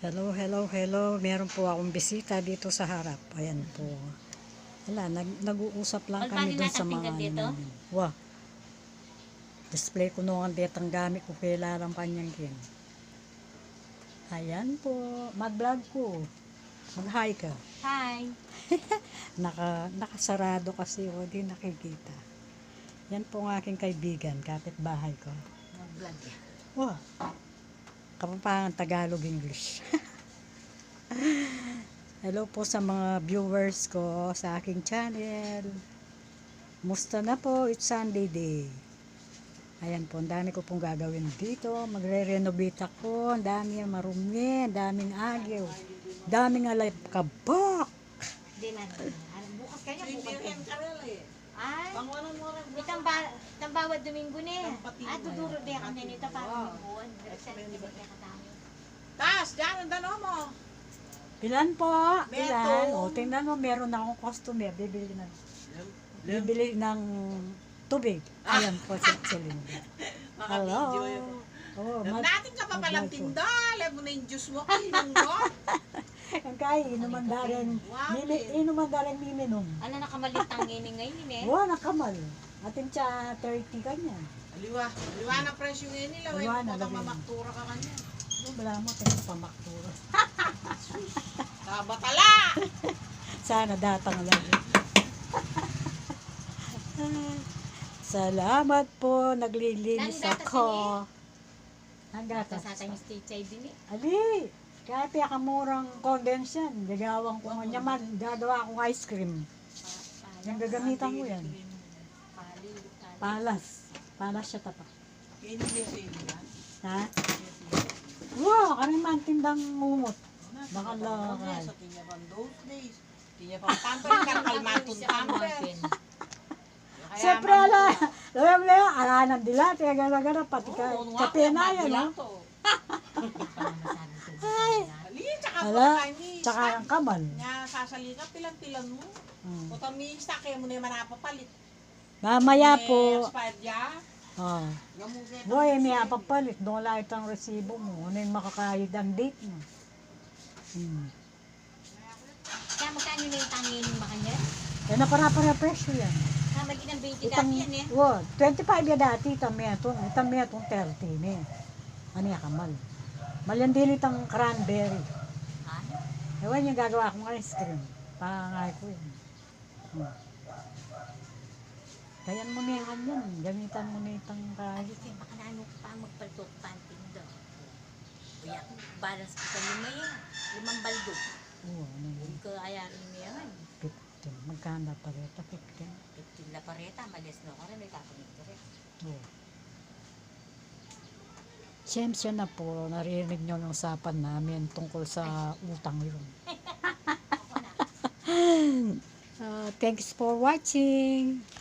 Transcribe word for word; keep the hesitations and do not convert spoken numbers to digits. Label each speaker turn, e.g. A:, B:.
A: Hello, hello, hello. Meron po akong bisita dito sa harap. Ayan po. Wala, nag, nag-uusap lang kami dun sa mga ano namin. Wah. Display ko noong detang gamit ko kailangan kanyang kin. Ayan po. Mag-vlog ko. Mag-hi ka.
B: Hi.
A: Naka, nakasarado kasi o di nakikita. Yan po ang aking kaibigan, kapitbahay ko.
B: Mag-vlog yan.
A: Wah. Kapampangan Tagalog English. Hello po sa mga viewers ko sa aking channel. Musta na po? It's Sunday day. Ayan po, ang dami ko pong gagawin dito. Magre-renovate ako. Ang dami ang marumi, ang daming agyo, daming alay kabak.
B: Hindi na. Bukas kanya, bukas kanya. Ay,
C: Pangwanan mo rin.
B: itang ba, itang bawat Domingo na. Ah, duduro din ako na nito para buwan.
C: Tas, dyan ang dalawa mo.
A: Ilan po? Ilan?
C: Meron.
A: O, tingnan mo, meron na akong customer. Bibili na. Bibili ng tubig. Ayan po, si Celine. Hello.
C: Maka-video yun.
A: Oh,
C: Alam
A: mag-
C: natin ka pa palang
A: mag-vlog po.
C: tinda. Alam mo na yung juice mo. Inom mo.
A: Ang kaya, inuman daring, mimi, inuman daring miminom.
B: Ano nakamalitang ini ngayon eh?
A: Wow, nakamal. Atin siya thirty kanya.
C: Aliwa. Aliwa na presyo ngayon nila. Aliwa
A: Aliwa na,
C: na. Kung
A: lagay.
C: mamaktura ka kanya.
A: Ano, wala mo, tayo pamaktura.
C: Kabatala.
A: Sana datang lang. Salamat po, naglilinis
B: Nang gatas
A: ako. Ang gatas.
B: Sa atin yung stage din eh.
A: Ali, kaya pinakamurang condense yan. Gagawang ko nga naman, gagawa akong ice cream. Yung gagamitan ko yan.
B: Pali.
A: Palas. Palas siya tapak.
C: Kaya hindi yung sa'yo yan.
A: Ha? Wow, kami man tindang mumot. Baka
C: Lakay.
A: lakay.
C: Sa tinya pa those days. Tinya pa pamper. Kalmatong pamper.
A: Siyempre, ala, alam mo na yun, alanan dila, tiya gana-gana, pati ka, kape na yan, no? Ay,
C: Ali, tsaka
A: ala,
C: pa kami.
A: tsaka ang kamal.
C: Nga, sasali ka, pilan-pilan mo.
A: Hmm.
C: O tamista, kaya mo na yung manapapalit.
A: Mamaya
C: Eh,
A: po,
C: Expired
A: oh,
C: Gamuget.
A: boy, may apapalit, doon lang itong resibo mo, ano yung makakayod ang date mo. Hmm.
B: Kaya magkano na yung tangin mo kanya?
A: Eh, napara-para presyo yan.
B: Ah, magiging ang twenty
A: Itang,
B: dati yan eh.
A: wow, twenty-five ya dati, itang metong, itang metong thirty ni. Ano yung kamal? Malyan din itang cranberry.
B: Ha?
A: Ewan yung gagawa kong ice cream. Pangangay ko yun. Hmm. Kayan mo na yan yan. Gamitan mo na itang kahit.
B: Kasi baka na ano pa magpaltot panting daw. Kaya balance ko sa lima yan. Limang baldog.
A: Oo, ano yun?
B: Hindi ko ayarin mo yan.
A: fifteen. Magkanda pa rin. fifteen.
B: fifteen la pareta, malis na ako rin. May kakamit ko rin.
A: Oo. Siyempre na po, narinig nyo ng usapan namin tungkol sa utang yun.
B: Ako na.
A: Uh, thanks for watching.